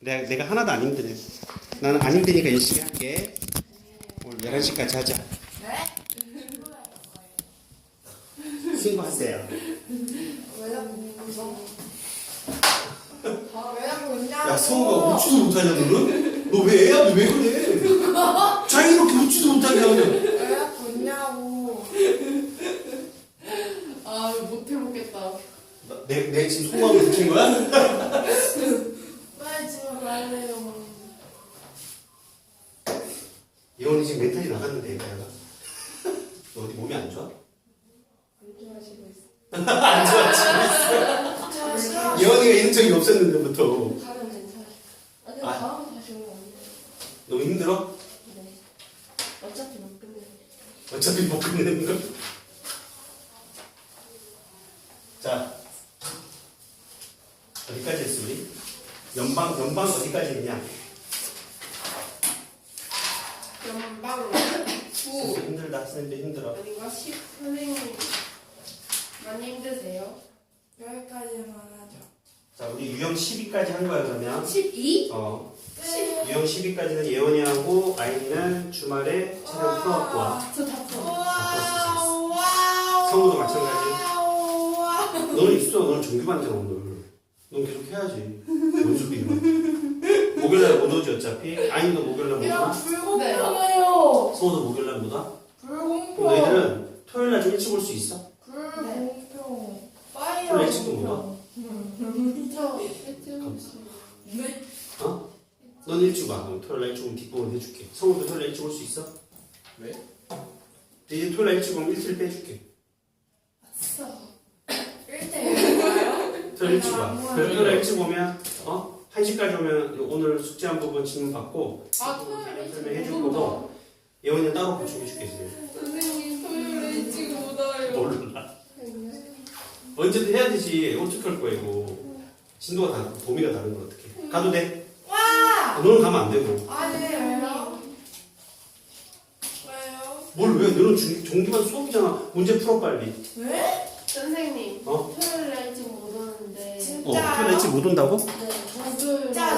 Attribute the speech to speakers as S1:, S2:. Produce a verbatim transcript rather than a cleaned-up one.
S1: 내가, 내가 하나도 안 힘드네. 나는 안 힘드니까 열심히 할게. 오늘 열한 시까지 하자.
S2: 네?
S1: 신고하세요.
S2: 왜 자꾸 웃어? 아, 왜 자꾸 웃냐고?
S1: 야, 성우가 웃지도 못하냐, 너는? 너 왜 애야? 너 왜 그래? 자기 이렇게 웃지도 못하냐, 너는?
S2: 왜 자꾸 웃냐고?
S3: 아 못 해보겠다.
S1: 내, 내 지금 속마음을 느낀 거야?
S2: 빨리 집에 갈래요.
S1: 예원이 지금 멘탈이 나갔는데, 얘가. 너 어디 몸이 안 좋아?
S3: 안좋아하시고 있어.
S1: 안 좋아, 지금
S2: 저 싫어.
S1: 있어. 예원이가 이런 적이 없었는데부터.
S3: 가면 괜찮아. 아 근데
S1: 아.
S3: 다음에 다시 오면 안 돼.
S1: 너무 힘들어?
S3: 네. 어차피 못 끝내.
S1: 어차피 못 끝내는 거. 자, 어디까지 했어, 우리? 연방, 연방 어디까지 했냐?
S3: 연방 구
S1: 힘들다, 선생님도 힘들어.
S3: 아닌가 십 선생님 많이 힘드세요?
S2: 여기까지만 하죠.
S1: 자, 우리 유형 십이까지 한 거야, 그러면.
S3: 십이?
S1: 어.
S2: 네.
S1: 유형 십이까지는 예원이하고 아이는 주말에 촬영 풀어갖고 와.
S3: 저다 풀어.
S2: 와우, 와우.
S1: 성우도 마찬가지.
S2: 와우, 와우.
S1: 너는 있어, 너는 정규반이잖아, 오늘. 넌 계속 해야지. 뭔 소리야. 목요일날 못 오지, 어차피. 아이도 목요일날 못
S2: 이거
S1: 와.
S2: 불공평해요.
S1: 성우도 목요일날 못 와.
S2: 불공평.
S1: 그럼 너희들은 토요일날 좀 일찍 올 수 있어?
S2: 불공평. 파이어.
S1: 토요일 일찍도 못 와.
S3: 저 해tiu 씨.
S2: 네.
S1: 어? 넌 일찍 와. 그럼 토요일날 일찍 오면 뒷부분 해줄게. 성우도 토요일날 일찍 올 수 있어?
S4: 왜?
S1: 이제 토요일날 일찍 오면 일주일 빼줄게.
S2: 아싸. 일 대 일인가요?
S1: 토요일 일찍 와.
S2: 아,
S1: 그래서 토요일날 일찍 오면, 어? 한 시까지 오면 오늘 숙제한 부분 질문 받고,
S3: 아 토요일에
S1: 설명해 줄
S3: 일찍 못
S1: 거고,
S3: 와.
S1: 예원이는 따로 보충해 줄겠어요.
S3: 선생님 토요일에 일찍 못 와요.
S1: 몰라. 언제든 해야 되지. 어떻게 할 거야, 이거. 진도가 다르고, 범위가 다른 걸 어떻게. 가도 돼.
S2: 와!
S1: 너는 가면 안 되고.
S2: 아니에요. 왜요?
S1: 뭘 왜? 너는 중, 종기반 수업이잖아. 문제 풀어, 빨리.
S2: 왜?
S3: 선생님
S1: 어?
S3: 토요일에 일찍 못 오는데
S1: 어,
S2: 진짜요?
S1: 토요일 일찍 못 온다고?
S3: 네